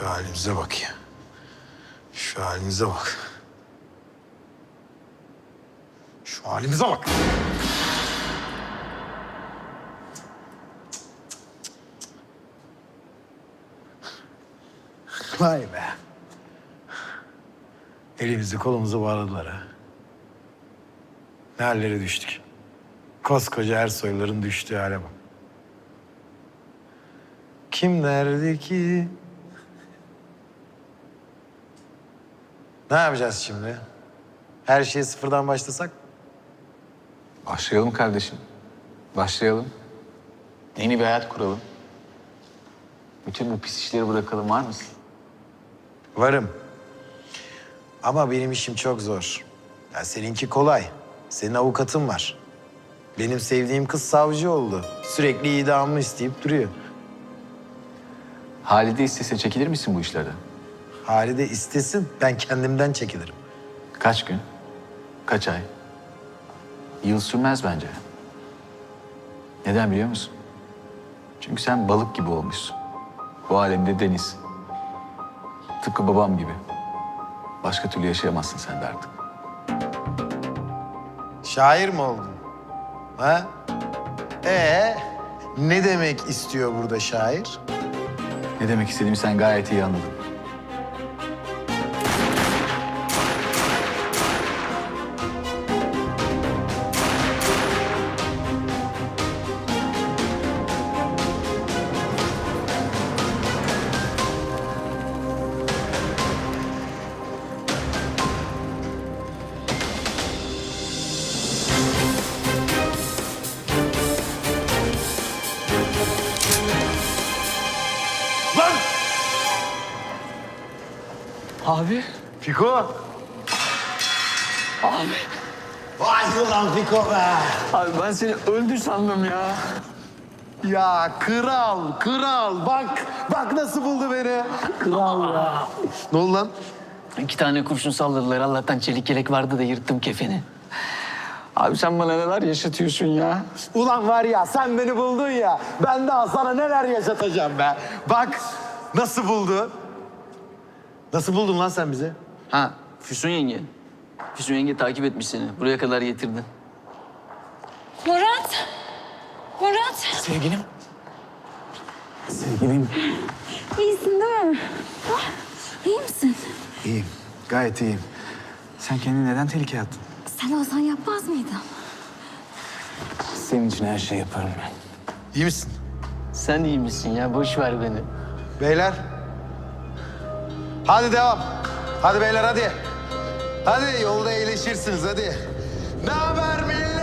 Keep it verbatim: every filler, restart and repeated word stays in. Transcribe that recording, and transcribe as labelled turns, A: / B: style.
A: Şu halimize bak ya. Şu halimize bak. Şu halimize bak. Vay be. Elimizi kolumuzu bağladılar ha. Ne hallere düştük. Koskoca Ersoyların düştüğü hale bak. Kim derdi ki? Ne yapacağız şimdi? Her şeye sıfırdan başlasak?
B: Başlayalım kardeşim. Başlayalım. Yeni bir hayat kuralım. Bütün bu pis işleri bırakalım, var mısın?
A: Varım. Ama benim işim çok zor. Ya seninki kolay. Senin avukatın var. Benim sevdiğim kız savcı oldu. Sürekli idamımı isteyip duruyor.
B: Halide istese çekilir misin bu işlerden?
A: Halide istesin, ben kendimden çekilirim.
B: Kaç gün? Kaç ay? Yıl sürmez bence. Neden biliyor musun? Çünkü sen balık gibi olmuşsun. Bu alemde deniz. Tıpkı babam gibi. Başka türlü yaşayamazsın sen de artık.
A: Şair mi oldun? Ha? Ee, ne demek istiyor burada şair?
B: Ne demek istediğimi sen gayet iyi anladın.
A: Lan!
C: Abi.
A: Fiko!
C: Abi.
A: Vay ulan Fiko be!
C: Abi ben seni öldü sandım ya.
A: Ya kral, kral bak, bak nasıl buldu beni.
C: Kral ya.
A: Ne oldu lan?
C: İki tane kurşun salladılar. Allah'tan çelik yelek vardı da yırttım kefeni. Abi sen bana neler yaşatıyorsun ya?
A: Ulan var ya sen beni buldun ya, ben daha sana neler yaşatacağım be. Bak nasıl buldu. Nasıl buldun lan sen bizi?
C: Ha, Füsun yenge. Füsun yenge takip etmiş seni. Buraya kadar getirdi.
D: Murat! Murat!
C: Sevgilim. Sevgilim.
D: İyisin değil mi? Ah, iyi misin?
B: İyiyim. Gayet iyiyim. Sen kendini neden tehlikeye attın?
D: Sen olsan yapmaz mıydın?
B: Senin için her şeyi yaparım ben.
A: İyi misin?
C: Sen iyi misin ya? Boş ver beni.
A: Beyler. Hadi devam. Hadi beyler hadi. Hadi yolda iyileşirsiniz hadi. Ne haber millet?